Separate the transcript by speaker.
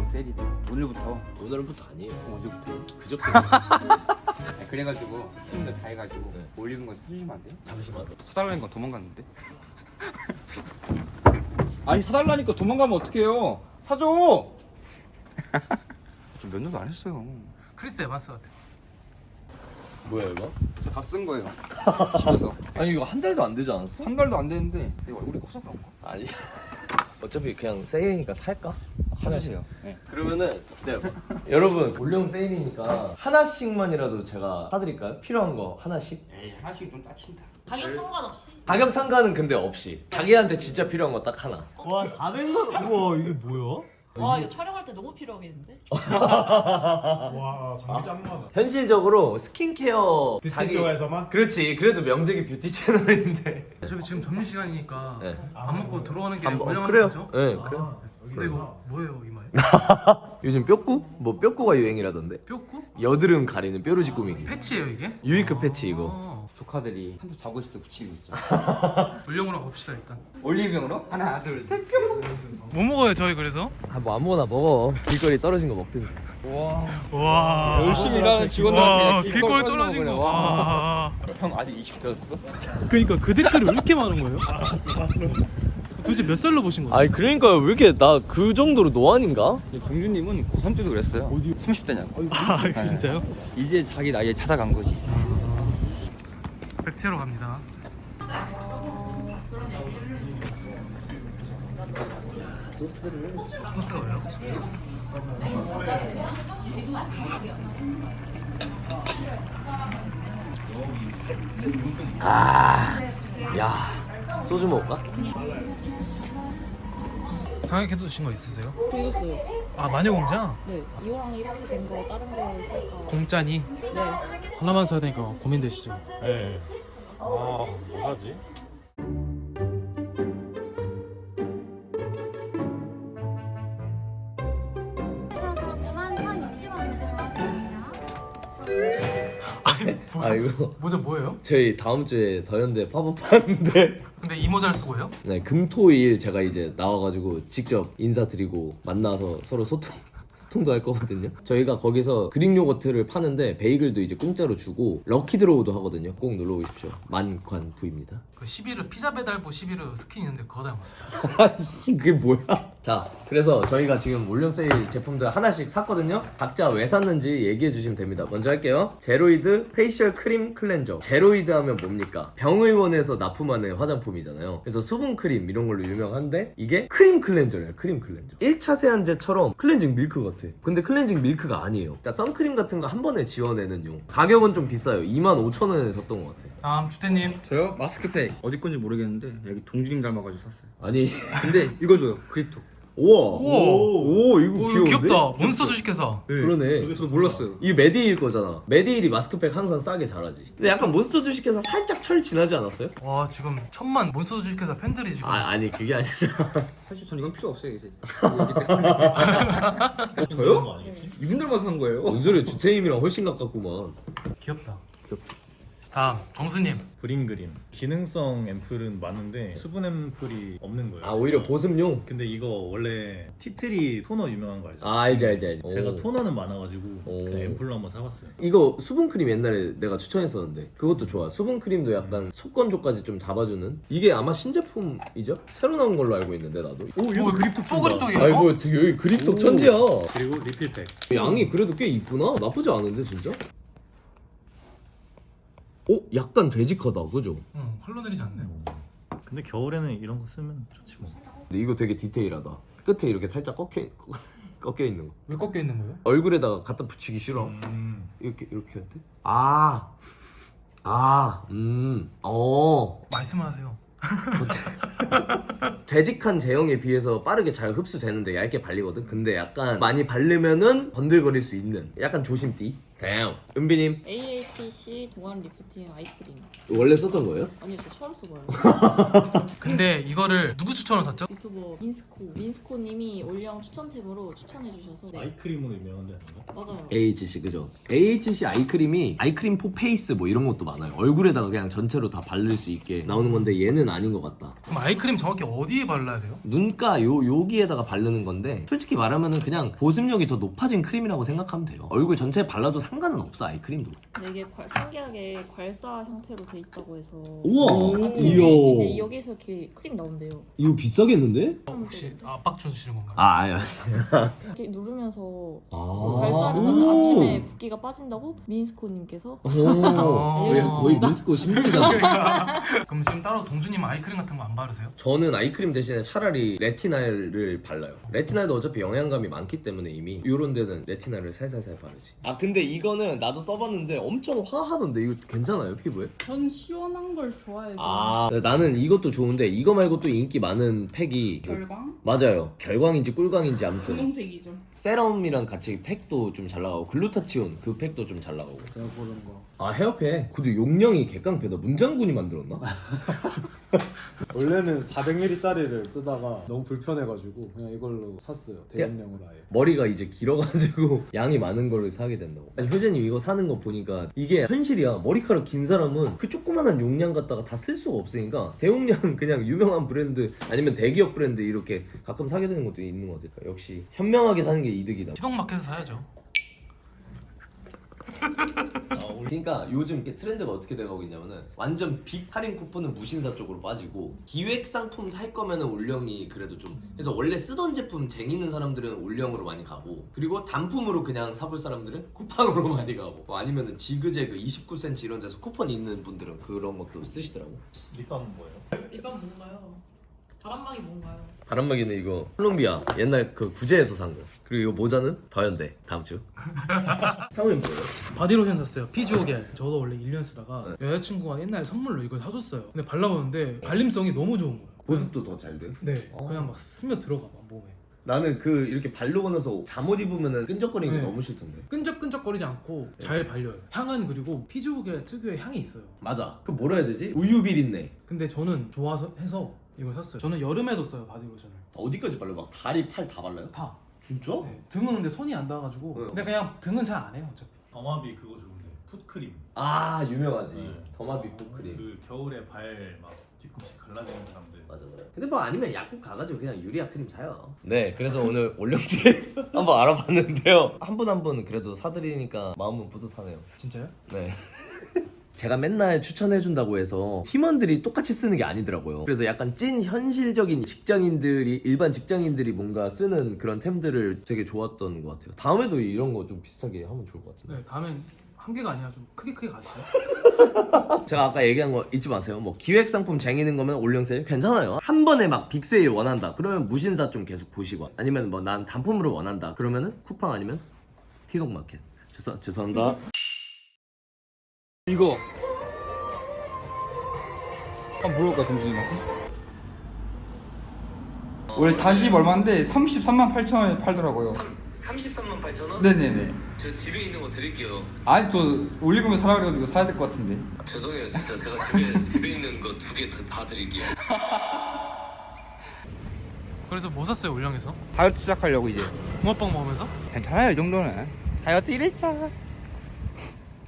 Speaker 1: 세일이래. 오늘부터.
Speaker 2: 오늘부터 아니에요.
Speaker 1: 언제부터요?
Speaker 2: 그저께.
Speaker 1: 그래가지고 팀들 다 해가지고 올리는 거 사주시면 안 돼요?
Speaker 2: 잠시만.
Speaker 1: 사달라니까 도망갔는데. 아니 사달라니까 도망가면 어떡해요? 사줘. 저 몇 년도 안 했어요.
Speaker 3: 크리스 에반스 같아.
Speaker 2: 뭐야 이거?
Speaker 1: 다 쓴 거예요. 집에서.
Speaker 2: 아니 이거 한 달도 안 되지 않았어?
Speaker 1: 한 달도 안 됐는데 내 얼굴이 커서 그런가?
Speaker 2: 아니. 어차피 그냥 세일이니까 살까?
Speaker 1: 사주세요. 네.
Speaker 2: 그러면은 여러분 올영 세일이니까 하나씩만이라도 제가 사드릴까요? 필요한 거 하나씩?
Speaker 1: 에이 하나씩 좀 짜친다.
Speaker 4: 가격 상관없이.
Speaker 2: 가격 상관은 근데 없이 자기한테 진짜 필요한 거 딱 하나.
Speaker 5: 와 400만 원. 우와 이게 뭐야?
Speaker 4: 와 이거 촬영할 때 너무 필요하겠는데?
Speaker 5: 와 장비 짱많아.
Speaker 2: 현실적으로 스킨케어
Speaker 5: 뷰티 쪽에서만?
Speaker 2: 그렇지. 그래도 명색이 뷰티 채널인데.
Speaker 3: 저희 지금 점심 시간이니까
Speaker 2: 네.
Speaker 3: 밥 먹고 들어오는 길에
Speaker 2: 한번
Speaker 3: 올영하면
Speaker 2: 그래요.
Speaker 3: 되죠?
Speaker 2: 네, 그래요.
Speaker 3: 근데 이거 뭐예요 이마에?
Speaker 2: 요즘 뼈꾸? 뭐 뼈꾸가 유행이라던데.
Speaker 3: 뼈꾸?
Speaker 2: 여드름 가리는 뾰루지 꾸미기.
Speaker 3: 패치예요 이게?
Speaker 2: 유이크 패치 이거.
Speaker 1: 조카들이 한두 자고 있을 때 붙이고 있죠.
Speaker 3: 올영으로 갑시다 일단.
Speaker 1: 올리브영으로 하나 둘 셋.
Speaker 3: 뭐 먹어요 저희 그래서?
Speaker 2: 뭐 아무거나 먹어. 길거리 떨어진 거 먹든지.
Speaker 3: 와
Speaker 1: 열심히 일하는 직원들한테
Speaker 3: 와
Speaker 1: 그냥
Speaker 3: 길거리
Speaker 1: 떨어지는
Speaker 3: 떨어진 거.
Speaker 1: 거구나.
Speaker 3: 와.
Speaker 1: 형 아직 20대였어?
Speaker 3: 그러니까 그 댓글이 왜 이렇게 많은 거예요? 도대체 몇 살로 보신 거예요?
Speaker 2: 아니 그러니까 왜 이렇게 나 그 정도로 노안인가?
Speaker 1: 동준님은 고3 때도 그랬어요. 어디? 30대냐고.
Speaker 3: 아 진짜요?
Speaker 1: 이제 자기 나이에 찾아간 거지.
Speaker 3: 백채로 갑니다. 소스가 왜요?
Speaker 2: 야 소주 먹을까?
Speaker 3: 상액해도 드신 거 있으세요?
Speaker 4: 읽었어요.
Speaker 3: 아 마녀공장?
Speaker 4: 네. 이왕 이렇게 된 거 다른 거 살까?
Speaker 3: 공짜니?
Speaker 4: 네.
Speaker 3: 하나만 사야 되니까 고민되시죠?
Speaker 5: 네. 아뭐 사지?
Speaker 6: 하셔서 91,060원 결정하겠습니다.
Speaker 2: 아 이거
Speaker 3: 모자 뭐예요?
Speaker 2: 저희 다음 주에 더현대 팝업 하는데
Speaker 3: 근데 이 모자를 쓰고 해요?
Speaker 2: 네 금토일 제가 이제 나와가지고 직접 인사드리고 만나서 서로 소통도 할 거거든요. 저희가 거기서 그릭 요거트를 파는데 베이글도 이제 공짜로 주고 럭키드로우도 하거든요. 꼭 놀러 오십시오. 만관부입니다.
Speaker 3: 그 11호 피자 배달부 11호 스킨 있는데 그거 닮았어요.
Speaker 2: 아씨 그게 뭐야? 자 그래서 저희가 지금 올영 세일 제품들 하나씩 샀거든요. 각자 왜 샀는지 얘기해 주시면 됩니다. 먼저 할게요. 제로이드 페이셜 크림 클렌저. 제로이드 하면 뭡니까? 병의원에서 납품하는 화장품이잖아요. 그래서 수분 크림 이런 걸로 유명한데 이게 크림 클렌저래요. 크림 클렌저. 1차 세안제처럼 클렌징 밀크 같아. 근데 클렌징 밀크가 아니에요. 그러니까 선크림 같은 거 한 번에 지워내는 용. 가격은 좀 비싸요. 25,000원에 샀던 것 같아.
Speaker 3: 다음 주태님.
Speaker 1: 저요? 마스크팩 어디 건지 모르겠는데 여기 동준님 닮아가지고 샀어요.
Speaker 2: 아니
Speaker 1: 근데 이거 줘요. 그립톡.
Speaker 2: 우와
Speaker 3: 우와.
Speaker 2: 오 이거
Speaker 3: 오,
Speaker 2: 귀여운데?
Speaker 3: 귀엽다. 몬스터 주식회사.
Speaker 1: 네.
Speaker 2: 그러네.
Speaker 1: 저도 몰랐어요.
Speaker 2: 이게 메디힐 거잖아. 메디힐이 마스크팩 항상 싸게 잘하지. 근데 약간 몬스터 주식회사 살짝 철 지나지 않았어요?
Speaker 3: 와 지금 1000만 몬스터 주식회사 팬들이 지금.
Speaker 2: 아니 그게 아니라
Speaker 1: 사실 전 이건 필요 없어요 이제. 저요? 이분들만 산 거예요.
Speaker 2: 뭔 소리야. 주태임이랑 훨씬 가깝구만.
Speaker 3: 귀엽다. 다음 정수님.
Speaker 5: 그림 그림. 기능성 앰플은 많은데 수분 앰플이 없는 거예요.
Speaker 2: 아 오히려 보습용?
Speaker 5: 근데 이거 원래 티트리 토너 유명한 거 알죠?
Speaker 2: 아 알지
Speaker 5: 제가
Speaker 2: 오.
Speaker 5: 토너는 많아가지고
Speaker 2: 오.
Speaker 5: 그냥 앰플로 한번 사봤어요.
Speaker 2: 이거 수분크림 옛날에 내가 추천했었는데 그것도 좋아. 수분크림도 약간 속건조까지 좀 잡아주는. 이게 아마 신제품이죠? 새로 나온 걸로 알고 있는데 나도.
Speaker 5: 오 얘도 그립톡
Speaker 3: 또 그립톡이에요?
Speaker 2: 아이 뭐 지금 여기 그립톡 천지야.
Speaker 5: 그리고 리필팩.
Speaker 2: 양이 그래도 꽤 이쁘나? 나쁘지 않은데 진짜? 오 약간 되직하다 그죠?
Speaker 3: 응 흘러내리지 않네.
Speaker 5: 근데 겨울에는 이런 거 쓰면 좋지 뭐.
Speaker 2: 근데 이거 되게 디테일하다. 끝에 이렇게 살짝 꺾여 있는 거.
Speaker 3: 왜 꺾여 있는 거예요?
Speaker 2: 얼굴에다가 갖다 붙이기 싫어. 이렇게 해야 돼?
Speaker 3: 말씀하세요.
Speaker 2: 되직한 제형에 비해서 빠르게 잘 흡수되는데 얇게 발리거든. 근데 약간 많이 바르면은 번들거릴 수 있는 약간 조심띠. damn. 은비님
Speaker 4: AHC 동안 리프팅 아이크림.
Speaker 2: 원래 썼던 거예요?
Speaker 4: 아니요, 저 처음 써봐요.
Speaker 3: 근데 이거를 누구 추천을 샀죠?
Speaker 4: 유튜버 민스코님이 올영 추천템으로 추천해주셔서 네.
Speaker 5: 아이크림으로 유명한 데 아닌가?
Speaker 4: 맞아요.
Speaker 2: AHC 그죠? AHC 아이크림이 아이크림 포 페이스 뭐 이런 것도 많아요. 얼굴에다가 그냥 전체로 다 바를 수 있게 나오는 건데 얘는 아닌 것 같다.
Speaker 3: 그럼 아이크림 정확히 어디에 발라야 돼요?
Speaker 2: 눈가 여기에다가 바르는 건데 솔직히 말하면은 그냥 보습력이 더 높아진 크림이라고 생각하면 돼요. 얼굴 전체에 발라도 상관은 없어 아이크림도.
Speaker 4: 근데 이게 신기하게 괄사 형태로 돼 있다고 해서
Speaker 2: 우와!
Speaker 4: 이제
Speaker 2: 이야
Speaker 4: 여기서 이렇게 크림 나온대요.
Speaker 2: 이거 비싸겠는데?
Speaker 3: 혹시 압박 주시는 건가요?
Speaker 2: 아 아니야.
Speaker 4: 이렇게 누르면서
Speaker 2: 아.
Speaker 4: 괄사를 사면 아침에 붓기가 빠진다고 민스코님께서
Speaker 2: 거의 민스코 신분이잖아.
Speaker 3: 그럼 지금 따로 동주님 아이크림 같은 거 안 바르세요?
Speaker 2: 저는 아이크림 대신에 차라리 레티날을 발라요. 레티날도 어차피 영양감이 많기 때문에 이미 이런 데는 레티날을 살살살 바르지. 아 근데 이거는 나도 써봤는데 엄청 화하던데 이거 괜찮아요 피부에?
Speaker 7: 전 시원한 걸 좋아해서
Speaker 2: 아 나는 이것도 좋은데 이거 말고 또 인기 많은 팩이
Speaker 7: 결광?
Speaker 2: 맞아요. 결광인지 꿀광인지 아무튼
Speaker 7: 분홍색이죠.
Speaker 2: 세럼이랑 같이 팩도 좀 잘 나가고 글루타치온 그 팩도 좀 잘 나가고.
Speaker 1: 제가 보는 거.
Speaker 2: 아 헤어팩. 근데 용량이 개깡패다. 문장군이 만들었나?
Speaker 8: 원래는 400ml짜리를 쓰다가 너무 불편해가지고 그냥 이걸로 샀어요. 대용량으로 아예.
Speaker 2: 머리가 이제 길어가지고 양이 많은 거를 사게 된다고. 아니 효재님 이거 사는 거 보니까 이게 현실이야. 머리카락 긴 사람은 그 조그만한 용량 갖다가 다 쓸 수가 없으니까 대용량 그냥 유명한 브랜드 아니면 대기업 브랜드 이렇게 가끔 사게 되는 것도 있는 것 같아요. 역시 현명하게 사는 게 이득이다.
Speaker 3: 시동마켓에서 사야죠.
Speaker 2: 그러니까 요즘 이렇게 트렌드가 어떻게 돼가고 있냐면은 완전 빅 할인 쿠폰은 무신사 쪽으로 빠지고 기획 상품 살 거면은 올영이 그래도 좀 그래서 원래 쓰던 제품 쟁이는 사람들은 올영으로 많이 가고 그리고 단품으로 그냥 사볼 사람들은 쿠팡으로 많이 가고 뭐 아니면은 지그재그 29cm 이런 데서 쿠폰 있는 분들은 그런 것도 쓰시더라고.
Speaker 5: 립밤은 뭐예요?
Speaker 4: 일반 뭔가요? 바람막이 뭔가요?
Speaker 2: 바람막이는 이거 콜롬비아 옛날 그 구제에서 산 거. 그리고 이거 모자는 더현대 다음 주. 상호님 뭐예요?
Speaker 3: 바디로션 샀어요. 피지오겔. 저도 원래 1년 쓰다가
Speaker 2: 네.
Speaker 3: 여자친구가 옛날에 선물로 이걸 사줬어요. 근데 발라보는데 발림성이 너무 좋은 거예요.
Speaker 2: 보습도 더 잘 돼?
Speaker 3: 네. 그냥 막 스며 들어가 막 몸에.
Speaker 2: 나는 그 이렇게 바르고 나서 잠옷 입으면은 끈적거리는 게
Speaker 3: 네.
Speaker 2: 너무 싫던데.
Speaker 3: 끈적끈적거리지 않고 잘 발려요. 향은 그리고 피지오겔 특유의 향이 있어요.
Speaker 2: 맞아. 그 뭐라 해야 되지? 우유 비린내.
Speaker 3: 근데 저는 좋아서 해서 이걸 샀어요. 저는 여름에도 써요 바디로션을.
Speaker 2: 어디까지 발라? 막 다리, 팔 다 발라요?
Speaker 3: 다.
Speaker 2: 진짜?
Speaker 3: 네. 등은 근데 손이 안 닿아가지고.
Speaker 2: 네.
Speaker 3: 근데 그냥 등은 잘 안 해요 어차피.
Speaker 5: 더마비 그거 좋은데 풋크림.
Speaker 2: 아 유명하지.
Speaker 5: 네.
Speaker 2: 더마비 풋크림.
Speaker 5: 그 겨울에 발 막 뒤꿈치 갈라지는 사람들.
Speaker 2: 맞아 맞아. 근데 뭐 아니면 약국 가가지고 그냥 유리아 크림 사요. 네, 그래서 오늘 올영세 한번 알아봤는데요. 한 분 한 분 그래도 사드리니까 마음은 뿌듯하네요.
Speaker 3: 진짜요?
Speaker 2: 네. 제가 맨날 추천해준다고 해서 팀원들이 똑같이 쓰는 게 아니더라고요. 그래서 약간 찐 현실적인 직장인들이 일반 직장인들이 뭔가 쓰는 그런 템들을 되게 좋았던 것 같아요. 다음에도 이런 거 좀 비슷하게 하면 좋을 것 같은데.
Speaker 3: 네. 다음엔 한 개가 아니라 좀 크게 가시죠.
Speaker 2: 제가 아까 얘기한 거 잊지 마세요. 뭐 기획 상품 쟁이는 거면 올영세일 괜찮아요. 한 번에 막 빅세일 원한다. 그러면 무신사 좀 계속 보시고 아니면 뭐 난 단품으로 원한다. 그러면은 쿠팡 아니면 티동마켓. 죄송합니다.
Speaker 1: 이거. 한번 물어볼까 동준이한테? 원래 40 얼마인데 33만 8천 원에 팔더라고요.
Speaker 9: 33만 8천 원?
Speaker 1: 네네네.
Speaker 9: 저 집에 있는 거 드릴게요.
Speaker 1: 아니 저 올리브영 사라 그래가지고 사야 될 것 같은데.
Speaker 9: 아, 죄송해요, 진짜 제가 집에 있는 거 2개 다 드릴게요.
Speaker 3: 그래서 뭐 샀어요 올영에서?
Speaker 1: 다이어트 시작하려고 이제.
Speaker 3: 붕어빵 먹으면서?
Speaker 1: 괜찮아요 이 정도는. 다이어트 1일차.